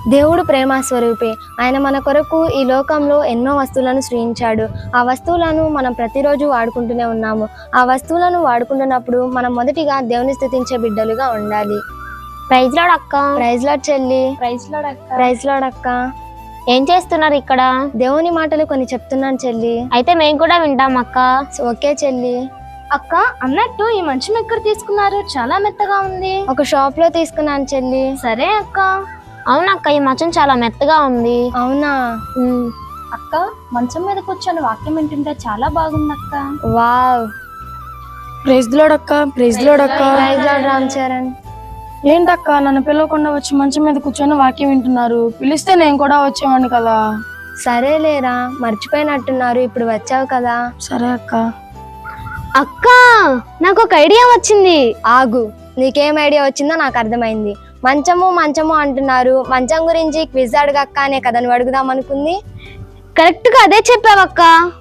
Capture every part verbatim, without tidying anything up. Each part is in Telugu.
దేవుడు ప్రేమ స్వరూపి. ఆయన మన కొరకు ఈ లోకంలో ఎన్నో వస్తువులను సృష్టించాడు. ఆ వస్తువులను మనం ప్రతిరోజు వాడుకుంటూనే ఉన్నాము. ఆ వస్తువులను వాడుకుంటున్నప్పుడు మనం మొదటిగా దేవుని స్తుతించే బిడ్డలుగా ఉండాలి. ప్రైజ్ లార్డ్ అక్క. ప్రైజ్ లార్డ్ చెల్లి. ప్రైజ్ లార్డ్ అక్క. ప్రైజ్ లార్డ్ అక్క. ఏం చేస్తున్నారు ఇక్కడ? దేవుని మాటలు కొన్ని చెప్తున్నాను చెల్లి. అయితే మేము కూడా వింటాం అక్క. ఓకే చెల్లి. అక్క, అన్నట్టు ఈ మంచం ఎక్కడ తీసుకున్నారు? చాలా మెత్తగా ఉంది. ఒక షాప్ లో తీసుకున్నాను చెల్లి. సరే అక్క. అవునక్క, ఈ మంచం చాలా మెత్తగా ఉంది. అవునా? అక్క, మంచం మీద కూర్చొని వాక్యం వింటుంటే చాలా బాగుంది అక్క. వావ్. ప్రైజ్ ది లార్డ్ అక్క. ప్రైజ్ ది లార్డ్ అక్క. Praise lord Ram Charan. ఏంటక్క నన్ను పిలవకుండా వచ్చి మంచం మీద కూర్చొని వాక్యం వింటున్నారు? పిలిస్తే నేను కూడా వచ్చేవాడిని కదా. సరేలేరా, మర్చిపోయినట్టున్నారు, ఇప్పుడు వచ్చావు కదా. సరే అక్క. అక్క, నాకు ఒక ఐడియా వచ్చింది. ఆగు, నీకేం ఐడియా వచ్చిందో నాకు అర్థమైంది. మంచము మంచము అంటున్నారు, మంచం గురించి క్విజ్ అడగక్క అనే కదా నువ్వు అడుగుదాం అనుకుంది. కరెక్ట్ గా అదే చెప్పావక్క.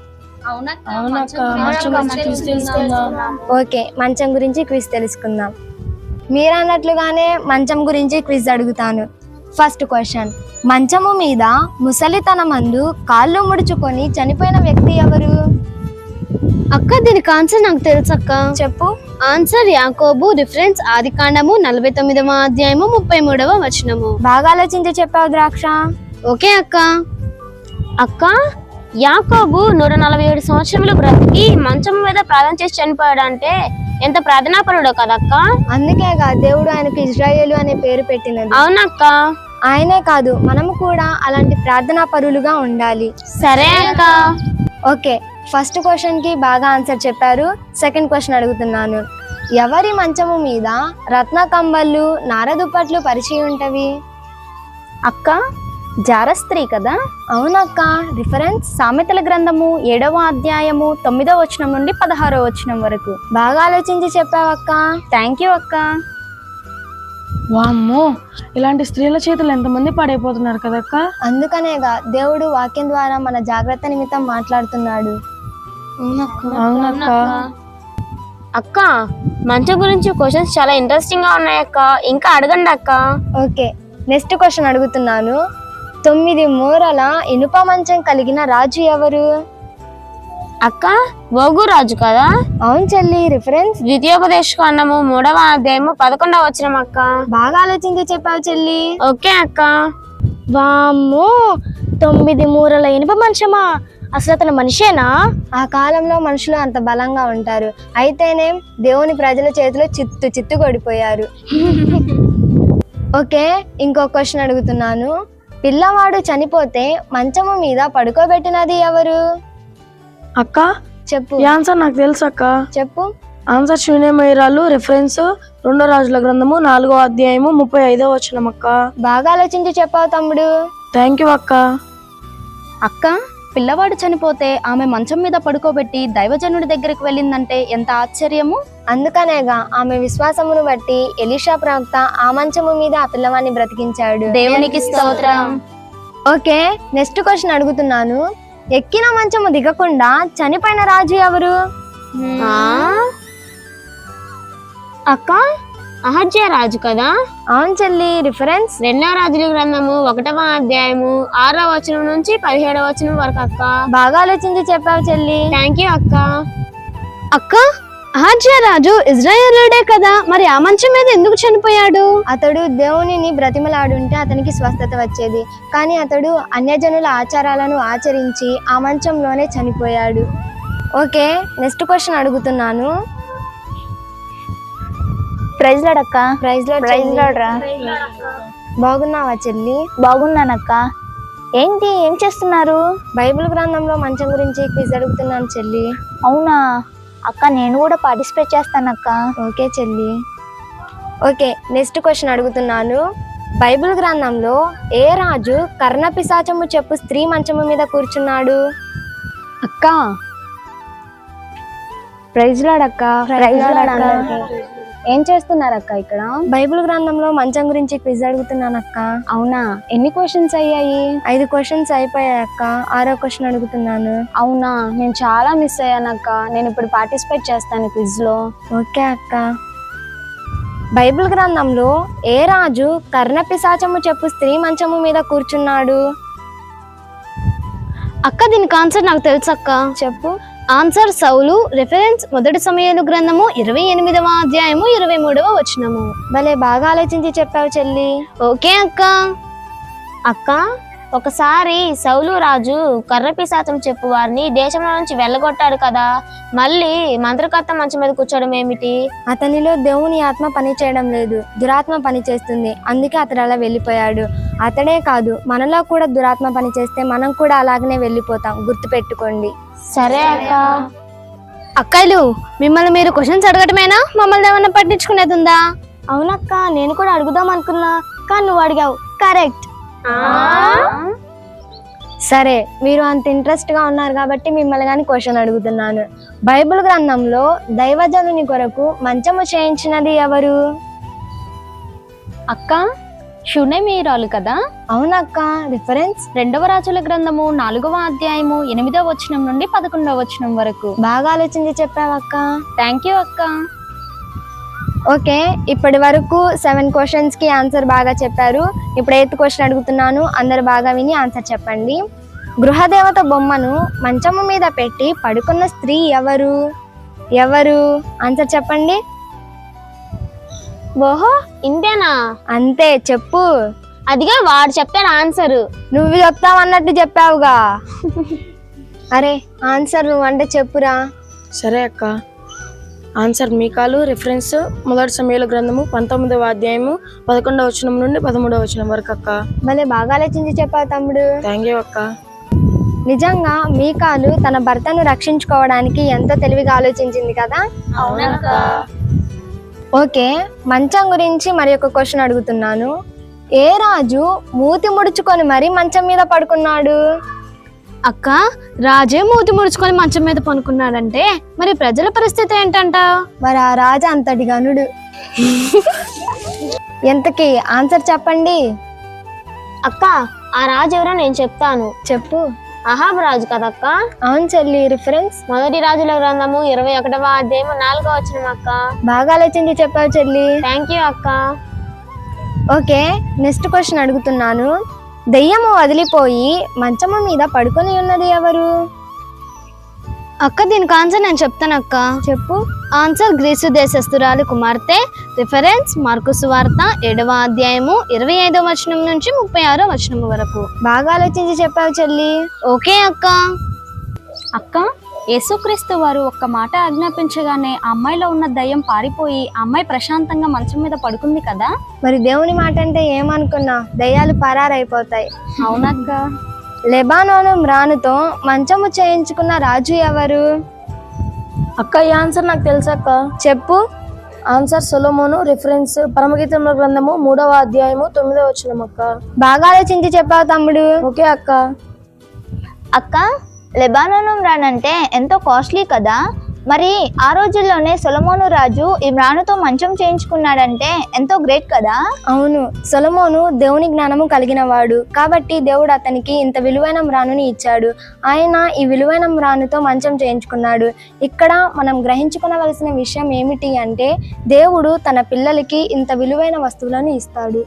ఓకే, మంచం గురించి క్విజ్ తెలుసుకుందాం. మీరు అన్నట్లుగానే మంచం గురించి క్విజ్ అడుగుతాను. ఫస్ట్ క్వశ్చన్, మంచము మీద ముసలితనమందు కాళ్ళు ముడుచుకొని చనిపోయిన వ్యక్తి ఎవరు? అక్క, దీనికి ఆన్సర్ నాకు తెలుసు అక్క. చెప్పు. ఆన్సర్ యాకోబు. రిఫరెన్స్ ఆది కాండము నలభై తొమ్మిదవ అధ్యాయము ముప్పై మూడవ వచనము. బాగా ఆలోచించి చెప్పావు ద్రాక్ష. ఓకే అక్క. అక్క, యాకోబు నూట నలభై ఏడు సంవత్సరములు బ్రతికి మంచం మీద ప్రార్థన చేసి చనిపోయాడు అంటే ఎంత ప్రార్థనాపరుడో కదక్క. అందుకేగా దేవుడు ఆయనకు ఇజ్రాయేలు అనే పేరు పెట్టినది. అవునక్క. ఆయనే కాదు, మనము కూడా అలాంటి ప్రార్థనా పరులుగా ఉండాలి. సరే అక్క. ఓకే, ఫస్ట్ క్వశ్చన్ కి బాగా ఆన్సర్ చెప్పారు. సెకండ్ క్వశ్చన్ అడుగుతున్నాను. ఎవరి మంచము మీద రత్న కంబళ్ళు నారదుప్పట్లు పరిచి ఉంటవి? అక్క, జారస్త్రీ కదా. అవునక్క. రిఫరెన్స్ సామెతల గ్రంథము ఏడవ అధ్యాయము తొమ్మిదవ వచనం నుండి పదహారవ వచనం వరకు. బాగా ఆలోచించి చెప్పావక్క. థ్యాంక్ యూ అక్క. వామ్మో, ఇలాంటి స్త్రీల చేతులు ఎంతమంది పాడైపోతున్నారు కదక్క. అందుకనేగా దేవుడు వాక్యం ద్వారా మన జాగ్రత్త నిమిత్తం మాట్లాడుతున్నాడు. అవునక్క. అక్క, మంచం గురించి క్వశ్చన్స్ చాలా ఇంట్రెస్టింగ్ గా ఉన్నాయక్క, ఇంకా అడగండి అక్క. ఓకే, నెక్స్ట్ క్వశ్చన్ అడుగుతున్నాను. తొమ్మిది మూరల ఇనుప మంచం కలిగిన రాజు ఎవరు? అక్క, ఓగు రాజు కదా. అవును చెల్లి. రిఫరెన్స్ ద్వితీయోపదేశ కాండము మూడవ అధ్యాయము పదకొండవ వచనం అక్క. బాగా ఆలోచించి చెప్పావు చెల్లి. ఓకే అక్క. వామ్మో, తొమ్మిది మూరల ఇనుప మంచమా? అసలు అతను మనిషేనా? ఆ కాలంలో మనుషులు అంత బలంగా ఉంటారు. అయితేనే దేవుని ప్రజల చేతిలో చిత్తు చిత్తు కొడిపోయారు. ఓకే, ఇంకో క్వశ్చన్ అడుగుతున్నాను. పిల్లవాడు చనిపోతే మంచము మీద పడుకోబెట్టినది ఎవరు? అక్క, చెప్పు. ఈ ఆన్సర్ నాకు తెలుసు అక్క. చెప్పు. ఆన్సర్ శూన్యమయ్యాలు. రిఫరెన్స్ రెండో రాజుల గ్రంథము నాలుగో అధ్యాయము ముప్పై ఐదో వచనం అక్క. బాగా ఆలోచించి చెప్పావు తమ్ముడు. థ్యాంక్ యూ అక్క. అక్క, పిల్లవాడు చనిపోతే ఆమె మంచం మీద పడుకోబెట్టి దైవజనుడి దగ్గరికి వెళ్ళిందంటే ఎంత ఆశ్చర్యము. అందుకనేగా ఆమె విశ్వాసమును బట్టి ఎలీషా ప్రవక్త ఆ మంచము మీద ఆ పిల్లవాడిని బ్రతికించాడు. దేవునికి స్తోత్రం. ఓకే, నెక్స్ట్ క్వశ్చన్ అడుగుతున్నాను. ఎక్కిన మంచము దిగకుండా చనిపోయిన రాజు ఎవరు? అక్క, అహజ్యా రాజు కదా. అవును చెల్లి. రిఫరెన్స్ రెండవ రాజుల గ్రంథము ఒకటవ అధ్యాయము ఆరవ వచనం నుంచి పదిహేడవ వచనం వరకు అక్క. బాగా ఆలోచించి చెప్పావు చెల్లి. థ్యాంక్ యూ అక్క. అక్క, అహజ్యా రాజు ఇజ్రాయేలుడే కదా, మరి ఆ మంచం మీద ఎందుకు చనిపోయాడు? అతడు దేవునిని బ్రతిమలాడుంటే అతనికి స్వస్థత వచ్చేది, కానీ అతడు అన్యజనుల ఆచారాలను ఆచరించి ఆ మంచంలోనే చనిపోయాడు. ఓకే, నెక్స్ట్ క్వశ్చన్ అడుగుతున్నాను. ప్రైజ్ లార్డ్ అక్క. Praise lord. ప్రైజ్ లార్డ్ రా. బాగున్నావా చెల్లి? బాగున్నానక్క. ఏంటి, ఏం చేస్తున్నారు? బైబిల్ గ్రంథంలో మంచం గురించి క్విజ్ అడుగుతున్నాను చెల్లి. అవునా అక్క, నేను కూడా పార్టిసిపేట్ చేస్తానక్క. ఓకే చెల్లి. ఓకే, నెక్స్ట్ క్వశ్చన్ అడుగుతున్నాను. బైబిల్ గ్రంథంలో ఏ రాజు కర్ణపిశాచము చెప్పు స్త్రీ మంచము మీద కూర్చున్నాడు? అక్క, ప్రైజ్ లార్డ్ అక్క. ప్రైజ్ లార్డ్ అక్క. ఏం చేస్తున్నారు అక్క ఇక్కడ? బైబిల్ గ్రంథంలో మంచం గురించి క్విజ్ అడుగుతున్నాను అక్క. అవునా, ఎన్ని క్వశ్చన్స్ అయ్యాయి? ఐదు క్వశ్చన్స్ అయిపోయాయి అక్క. ఆరో క్వశ్చన్ అడుగుతున్నాను. అవునా, నేను చాలా మిస్ అయ్యాను అక్క. నేను ఇప్పుడు పార్టిసిపేట్ చేస్తాను క్విజ్ లో. ఓకే అక్క. బైబిల్ గ్రంథంలో ఏ రాజు కర్ణపిశాచము చెప్పు స్త్రీ మంచము మీద కూర్చున్నాడు? అక్క దీనికి ఆన్సర్ నాకు తెలుసు అక్క. చెప్పు. ఆన్సర్ సౌలు. రిఫరెన్స్ మొదటి సమయాలు గ్రంథము ఇరవై ఎనిమిదవ అధ్యాయము ఇరవై మూడవ వచనము. భలే బాగా ఆలోచించి చెప్పావు చెల్లి. ఓకే అక్క. అక్క ఒకసారి సౌలు రాజు కర్రపిశాచం చెప్పు వారిని దేశంలో నుంచి వెళ్ళగొట్టాడు కదా, మళ్ళీ మంత్రకర్త మంచం మీద కూర్చోవడం ఏమిటి? అతనిలో దేవుని ఆత్మ పని చేయడం లేదు, దురాత్మ పని చేస్తుంది, అందుకే అతడు అలా వెళ్ళిపోయాడు. అతడే కాదు, మనలో కూడా దురాత్మ పని చేస్తే మనం కూడా అలాగనే వెళ్ళిపోతాం, గుర్తుపెట్టుకోండి. సరే అక్క. అక్కలు మిమ్మల్ని మీరు క్వశ్చన్స్ అడగటమేనా, మమ్మల్ని ఏమన్నా పట్టించుకునేది ఉందా? అవునక్క, నేను కూడా అడుగుదాం అనుకున్నా కానీ నువ్వు అడిగావు. కరెక్ట్. సరే, మీరు అంత ఇంట్రెస్ట్ గా ఉన్నారు కాబట్టి మిమ్మల్ని కానీ క్వశ్చన్ అడుగుతున్నాను. బైబిల్ గ్రంథంలో దైవజనుని కొరకు మంచము చేయించినది ఎవరు? అక్క షునేమీరాలు కదా. అవునక్క. రిఫరెన్స్ రెండవ రాజుల గ్రంథము నాలుగవ అధ్యాయము ఎనిమిదవ వచనం నుండి పదకొండవ వచనం వరకు. బాగా ఆలోచించి చెప్పావక్క. థ్యాంక్ యూ అక్క. ఓకే, ఇప్పటి వరకు సెవెన్ క్వశ్చన్స్ కి ఆన్సర్ బాగా చెప్పారు. ఇప్పుడు ఎయిత్ క్వశ్చన్ అడుగుతున్నాను, అందరు బాగా విని ఆన్సర్ చెప్పండి. గృహదేవత బొమ్మను మంచము మీద పెట్టి పడుకున్న స్త్రీ ఎవరు? ఎవరు? ఆన్సర్ చెప్పండి. ఓహో ఇంతేనా? అంతే, చెప్పు. అదిగా వాడు చెప్తాడు ఆన్సర్. నువ్వు చెప్తావన్నట్టు చెప్పావుగా. అరే ఆన్సర్ నువ్వు అంటే చెప్పురా. సరే అక్క. ఆన్సర్ మీకాలు. రిఫరెన్స్ మొదటి సమయాల గ్రంథము పంతొమ్మిదవ అధ్యాయము పదకొండవ వచనం నుండి పదమూడవ వచనం వరకు అక్క. భలే బాగా ఆలోచించి చెప్పావు తమ్ముడు. థ్యాంక్ యూ అక్క. నిజంగా మీకాలు తన భర్తను రక్షించుకోవడానికి ఎంతో తెలివిగా ఆలోచించింది కదా. అవునక్క. ఓకే, మంచం గురించి మరి ఒక క్వశ్చన్ అడుగుతున్నాను. ఏ రాజు మూతి ముడుచుకొని మరి మంచం మీద పడుకున్నాడు? అక్క రాజే మూతి ముడుచుకొని మంచం మీద పనుకున్నాడంటే మరి ప్రజల పరిస్థితి ఏంటంట? మరి ఆ రాజు అంతటి గనుడు. ఎంతకి ఆన్సర్ చెప్పండి. అక్క ఆ రాజు ఎవరో నేను చెప్తాను. చెప్పు. అహాబ్ రాజు కదక్క. అవును చెల్లి. రిఫరెన్స్ మొదటి రాజుల గ్రంథము ఇరవై ఒకటవ అధ్యాయము నాలుగవ వచనం అక్క. బాగా ఆలోచించి చెప్పావు చెల్లి. థ్యాంక్ యూ అక్క. ఓకే, నెక్స్ట్ క్వశ్చన్ అడుగుతున్నాను. దెయ్యము వదిలిపోయి మంచము మీద పడుకొని ఉన్నది ఎవరు? అక్క దీనికి ఆన్సర్ నేను చెప్తాను అక్క. చెప్పు. ఆన్సర్ గ్రీసు దేశస్తురాలు కుమార్తె. రిఫరెన్స్ మార్కు సువార్త ఏడవ అధ్యాయము ఇరవై ఐదవ వచనం నుంచి ముప్పై ఆరో వచనం వరకు. బాగా ఆలోచించి చెప్పావు చెల్లి. ఓకే అక్క. అక్క యేసుక్రీస్తు వారు ఒక్క మాట ఆజ్ఞాపించగానే ఆ అమ్మాయిలో ఉన్న దయ్యం పారిపోయి ఆ అమ్మాయి ప్రశాంతంగా మంచం మీద పడుకుంది కదా. మరి దేవుని మాట అంటే ఏమనుకున్నా, దయ్యాలు పరారైపోతాయి. అవునక్క. లెబానోను మ్రానుతో మంచము చేయించుకున్న రాజు ఎవరు? అక్క ఈ ఆన్సర్ నాకు తెలుసక్క. చెప్పు. ఆన్సర్ సొలొమోను. రిఫరెన్స్ పరమగీతముల గ్రంథము మూడవ అధ్యాయము తొమ్మిదవ వచనం అక్క. బాగా ఆలోచించి చెప్పావు తమ్ముడు. ఓకే అక్క. అక్క లెబానోను మ్రాన్ అంటే ఎంతో కాస్ట్లీ కదా, మరి ఆ రోజుల్లోనే సొలొమోను రాజు ఈ మ్రానుతో మంచం చేయించుకున్నాడంటే ఎంతో గ్రేట్ కదా. అవును, సొలొమోను దేవుని జ్ఞానము కలిగిన వాడు కాబట్టి దేవుడు అతనికి ఇంత విలువైన మ్రానుని ఇచ్చాడు. ఆయన ఈ విలువైన మ్రానుతో మంచం చేయించుకున్నాడు. ఇక్కడ మనం గ్రహించుకోవలసిన విషయం ఏమిటి అంటే దేవుడు తన పిల్లలకి ఇంత విలువైన వస్తువులను ఇస్తాడు.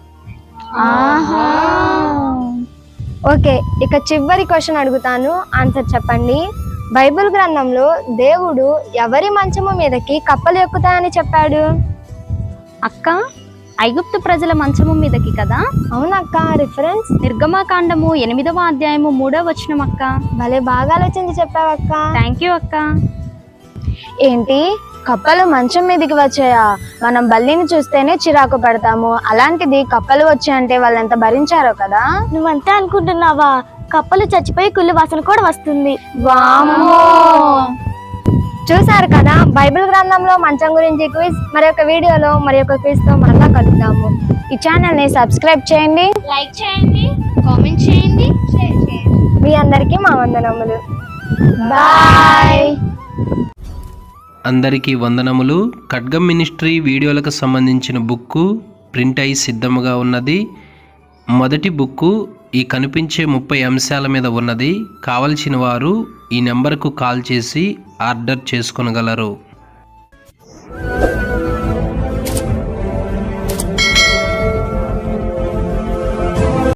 ఓకే, ఇక చివరి క్వశ్చన్ అడుగుతాను, ఆన్సర్ చెప్పండి. బైబిల్ గ్రంథంలో దేవుడు ఎవరి మంచము మీదకి కప్పలు ఎక్కుతాయని చెప్పాడు? అక్క ఐగుప్తు ప్రజల మంచము మీదకి కదా. అవునక్క. రిఫరెన్స్ నిర్గమాకాండము ఎనిమిదవ అధ్యాయము మూడవ వచనం అక్క. భలే బాగా ఆలోచించి చెప్పావక్క. థ్యాంక్ యూ అక్క. ఏంటి, కప్పలు మంచం మీదకి వచ్చాయా? మనం బల్లిని చూస్తేనే చిరాకు పడతాము, అలాంటిది కప్పలు వచ్చాయంటే వాళ్ళు ఎంత భరించారో కదా. నువ్వంతే అనుకుంటున్నావా? కప్పలు చచ్చిపోయి కుళ్ళు వాసన కూడా వస్తుంది. వామ్మో! చూసారు కదా, బైబిల్ గ్రంథంలో మంచం గురించి క్విజ్. మరి ఒక వీడియోలో మరి ఒక క్విజ్ తో మళ్ళా కలుద్దాము. ఈ ఛానల్ ని సబ్స్క్రైబ్ చేయండి, లైక్ చేయండి, కామెంట్ చేయండి, షేర్ చేయండి. మీ అందరికీ మా వందనములు. బాయ్. అందరికీ వందనములు. ఖడ్గం మినిస్ట్రీ వీడియోలకు సంబంధించిన బుక్కు ప్రింట్ అయి సిద్ధముగా ఉన్నది. మొదటి బుక్కు ఈ కనిపించే ముప్పై అంశాల మీద ఉన్నది. కావలసిన వారు ఈ నెంబర్కు కాల్ చేసి ఆర్డర్ చేసుకొనగలరు.